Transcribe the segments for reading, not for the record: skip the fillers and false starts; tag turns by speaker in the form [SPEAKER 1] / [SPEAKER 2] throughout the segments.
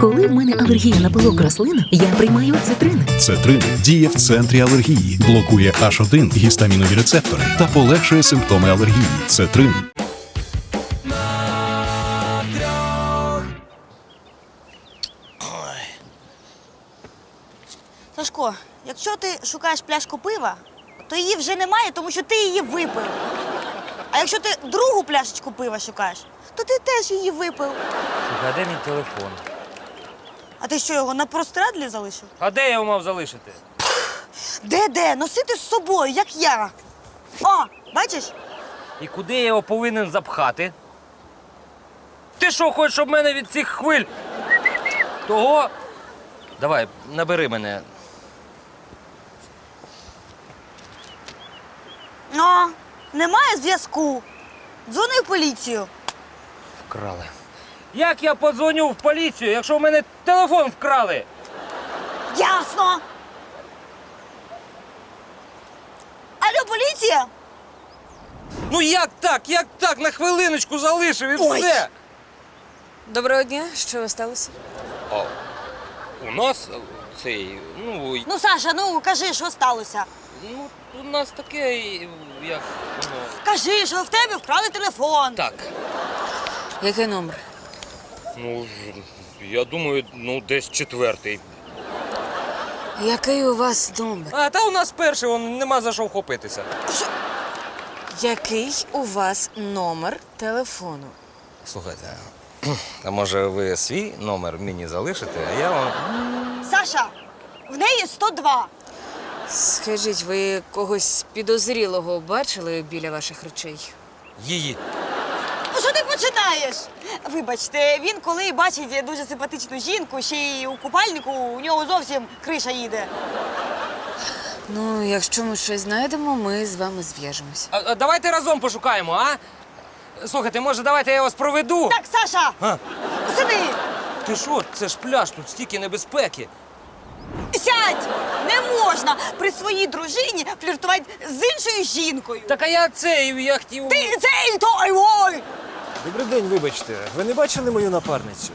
[SPEAKER 1] Коли в мене алергія на пилок рослин, я приймаю цитрин.
[SPEAKER 2] Цетрин діє в центрі алергії, блокує H1 гістамінові рецептори та полегшує симптоми алергії. Цетрин.
[SPEAKER 3] Сашко, якщо ти шукаєш пляшку пива, то її вже немає, тому що ти її випив. А якщо ти другу пляшечку пива шукаєш, то ти теж її випив.
[SPEAKER 4] Слухай, а де мій телефон?
[SPEAKER 3] А ти що, його на прострадлі залишив?
[SPEAKER 4] А де я його мав залишити?
[SPEAKER 3] Де? Носити з собою, як я. О, бачиш?
[SPEAKER 4] І куди я його повинен запхати? Ти що, хочеш, щоб мене від цих хвиль? Того? Давай, набери мене.
[SPEAKER 3] О, немає зв'язку. Дзвони в поліцію.
[SPEAKER 4] Вкрали. Як я подзвоню в поліцію, якщо в мене телефон вкрали?
[SPEAKER 3] Ясно. Алло, поліція?
[SPEAKER 4] Ну як так? Як так? На хвилиночку залишив і
[SPEAKER 3] Ой.
[SPEAKER 4] все.
[SPEAKER 5] Доброго дня, що сталося?
[SPEAKER 4] А, у нас цей,
[SPEAKER 3] Ну, Саша, ну кажи, що сталося.
[SPEAKER 4] у нас таке, як воно.
[SPEAKER 3] Кажи, що в тебе вкрали телефон.
[SPEAKER 4] Так.
[SPEAKER 5] Який номер?
[SPEAKER 4] Ну, я думаю, десь 4-й.
[SPEAKER 5] Який у вас номер?
[SPEAKER 4] А, та у нас перший, нема за що вхопитися.
[SPEAKER 5] Який у вас номер телефону?
[SPEAKER 4] Слухайте, а може ви свій номер мені залишите, а я вам...
[SPEAKER 3] Саша, в неї 102.
[SPEAKER 5] Скажіть, ви когось підозрілого бачили біля ваших речей?
[SPEAKER 4] Її.
[SPEAKER 3] Ну, що ти починаєш? Вибачте, він коли бачить дуже симпатичну жінку, ще й у купальнику, у нього зовсім криша їде.
[SPEAKER 5] Ну, якщо ми щось знайдемо, ми з вами зв'яжемось.
[SPEAKER 4] А давайте разом пошукаємо, а? Слухайте, може, давайте я вас проведу?
[SPEAKER 3] Так, Саша,
[SPEAKER 4] А?
[SPEAKER 3] сиди,
[SPEAKER 4] Ти що, це ж пляж, тут стільки небезпеки.
[SPEAKER 3] сядь! Не можна при своїй дружині фліртувати з іншою жінкою.
[SPEAKER 4] Так а я хотів...
[SPEAKER 3] Ти цей той, ой!
[SPEAKER 6] Добрий день, вибачте. Ви не бачили мою напарницю?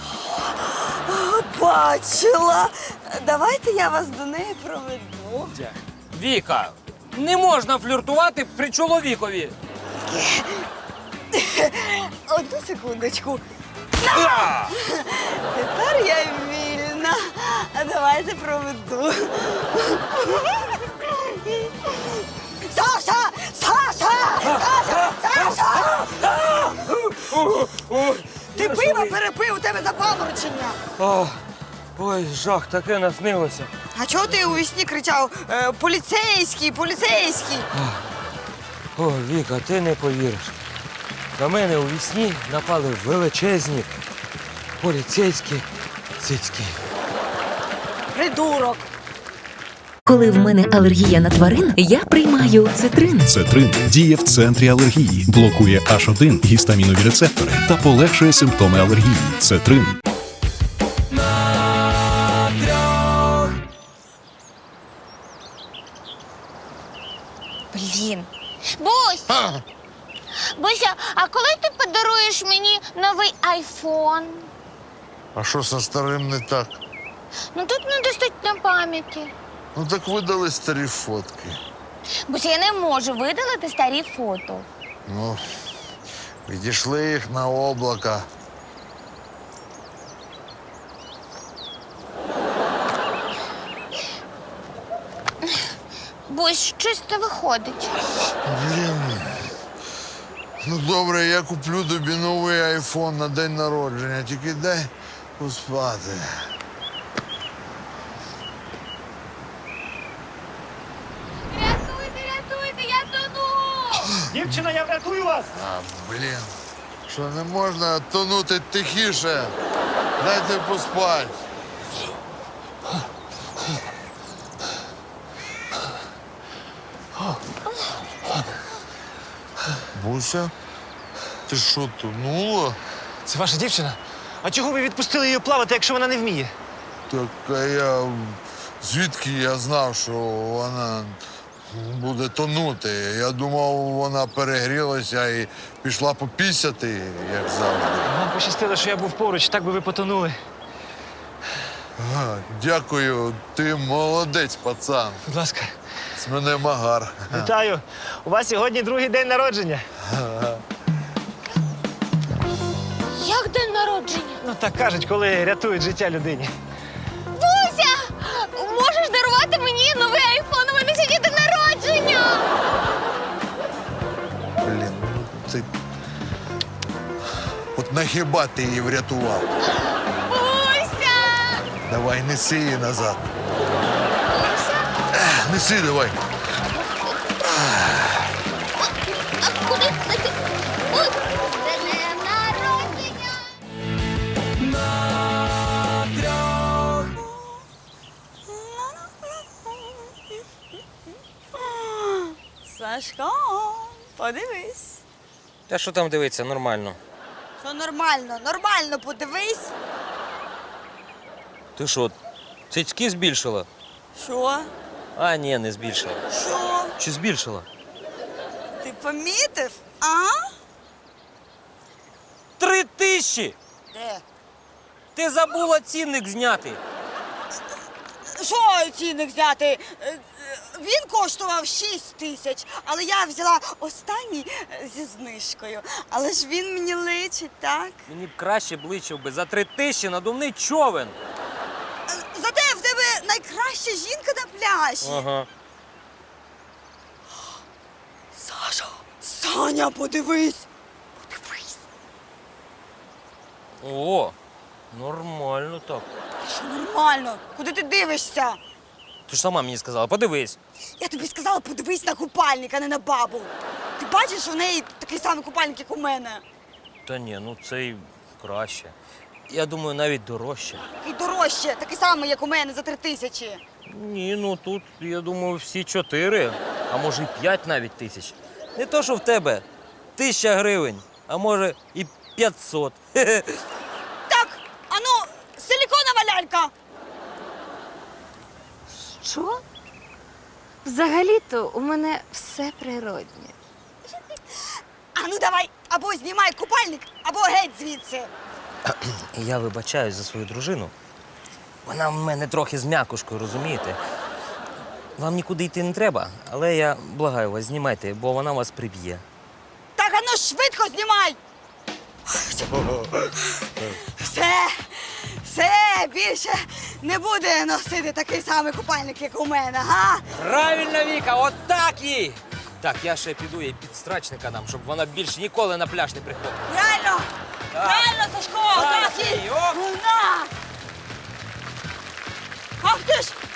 [SPEAKER 3] Бачила. Давайте я вас до неї проведу.
[SPEAKER 4] Віка, не можна фліртувати при чоловікові.
[SPEAKER 3] Одну секундочку. Тепер я вільна. Давайте проведу. Саша! Саша! Саша! Саша! Ти пиво перепив, у тебе запаморочення.
[SPEAKER 4] Ой, жах, таке наснилося.
[SPEAKER 3] А чого ти у вісні кричав «Поліцейський! Поліцейський!»
[SPEAKER 4] О, Віка, ти не повіриш. На мене у вісні напали величезні поліцейські цицьки.
[SPEAKER 3] Придурок!
[SPEAKER 1] Коли в мене алергія на тварин, я приймаю цитрин.
[SPEAKER 2] Цетрин діє в центрі алергії, блокує H1 гістамінові рецептори та полегшує симптоми алергії. Цетрин.
[SPEAKER 7] Блін. Бусь! Буся, а коли ти подаруєш мені новий айфон?
[SPEAKER 8] А що со старим не так?
[SPEAKER 7] Ну тут недостатньо пам'яті.
[SPEAKER 8] Ну так видали старі фотки.
[SPEAKER 7] Буся, я не можу видалити старі фото.
[SPEAKER 8] Ну, відійшли їх на облака.
[SPEAKER 7] Бусь, щось не виходить.
[SPEAKER 8] Блін. Ну добре, я куплю тобі новий айфон на день народження, тільки дай поспати.
[SPEAKER 7] Рятуйте, я тону!
[SPEAKER 6] Дівчина, я врятую вас!
[SPEAKER 8] А, блін. Що не можна тонути тихіше? Дайте поспати. Буся, ти що, тонула?
[SPEAKER 6] Це ваша дівчина? А чого ви відпустили її плавати, якщо вона не вміє?
[SPEAKER 8] Так а я звідки я знав, що вона буде тонути? Я думав, вона перегрілася і пішла попісяти, як завжди.
[SPEAKER 6] Вам пощастило, що я був поруч, так би ви потонули.
[SPEAKER 8] Дякую, ти молодець, пацан.
[SPEAKER 6] Будь ласка.
[SPEAKER 8] З мене магар.
[SPEAKER 6] Вітаю. У вас сьогодні другий день народження.
[SPEAKER 7] Як день народження?
[SPEAKER 6] Ну так кажуть, коли рятують життя людині.
[SPEAKER 7] Буся! Можеш дарувати мені новий айфон? У мене сьогодні день народження!
[SPEAKER 8] Блін, ну ти. От нахіба ти її врятував?
[SPEAKER 7] Буся!
[SPEAKER 8] Давай, неси її назад.
[SPEAKER 7] Буся!
[SPEAKER 8] Неси давай.
[SPEAKER 7] А куди ти? Ой, день народження!
[SPEAKER 3] Сашко, подивись.
[SPEAKER 4] Та що там дивиться, нормально.
[SPEAKER 3] Що нормально, нормально подивись.
[SPEAKER 4] Ти що, цицьки збільшила?
[SPEAKER 3] Що?
[SPEAKER 4] А, ні, не збільшила.
[SPEAKER 3] Що?
[SPEAKER 4] Чи збільшила?
[SPEAKER 3] Ти помітив? А?
[SPEAKER 4] 3000!
[SPEAKER 3] Де?
[SPEAKER 4] Ти забула цінник зняти.
[SPEAKER 3] Що цінник взяти? Він коштував 6 тисяч, але я взяла останній зі знижкою. Але ж він мені личить, так?
[SPEAKER 4] Мені б краще бличив би за 3000 надувний човен.
[SPEAKER 3] Зате в тебе найкраща жінка на пляжі.
[SPEAKER 4] Ага.
[SPEAKER 3] Саша, Саня, подивись. Подивись.
[SPEAKER 4] О, нормально так.
[SPEAKER 3] Що нормально? Куди ти дивишся?
[SPEAKER 4] Ти ж сама мені сказала, подивись.
[SPEAKER 3] Я тобі сказала, подивись на купальник, а не на бабу. Ти бачиш, у неї такий самий купальник, як у мене.
[SPEAKER 4] Та ні, ну цей краще. Я думаю, навіть дорожче.
[SPEAKER 3] І дорожче, такий самий, як у мене, за 3 тисячі.
[SPEAKER 4] Ні, ну тут, я думаю, всі 4, а може і 5 навіть тисяч. Не то, що в тебе 1000 гривень, а може і 500.
[SPEAKER 3] Так, ану, силіконова лялька.
[SPEAKER 5] Що? Взагалі-то у мене все природнє.
[SPEAKER 3] Ану, давай, або знімай купальник, або геть звідси.
[SPEAKER 4] Я вибачаюсь за свою дружину. Вона в мене трохи з м'якушкою, розумієте? Вам нікуди йти не треба, але я благаю вас, знімайте, бо вона вас приб'є.
[SPEAKER 3] Так, ану, швидко знімай. Все, більше не буде носити такий самий купальник, як у мене, га?
[SPEAKER 4] Правильно, Віка, от так їй! Так, я ще піду їй підстрачника дам, щоб вона більше ніколи на пляж не приходила.
[SPEAKER 3] Реально,
[SPEAKER 4] Так.
[SPEAKER 3] реально, Сашко,
[SPEAKER 4] Так,
[SPEAKER 3] так і
[SPEAKER 4] і оп.
[SPEAKER 3] на. Ах ти ж,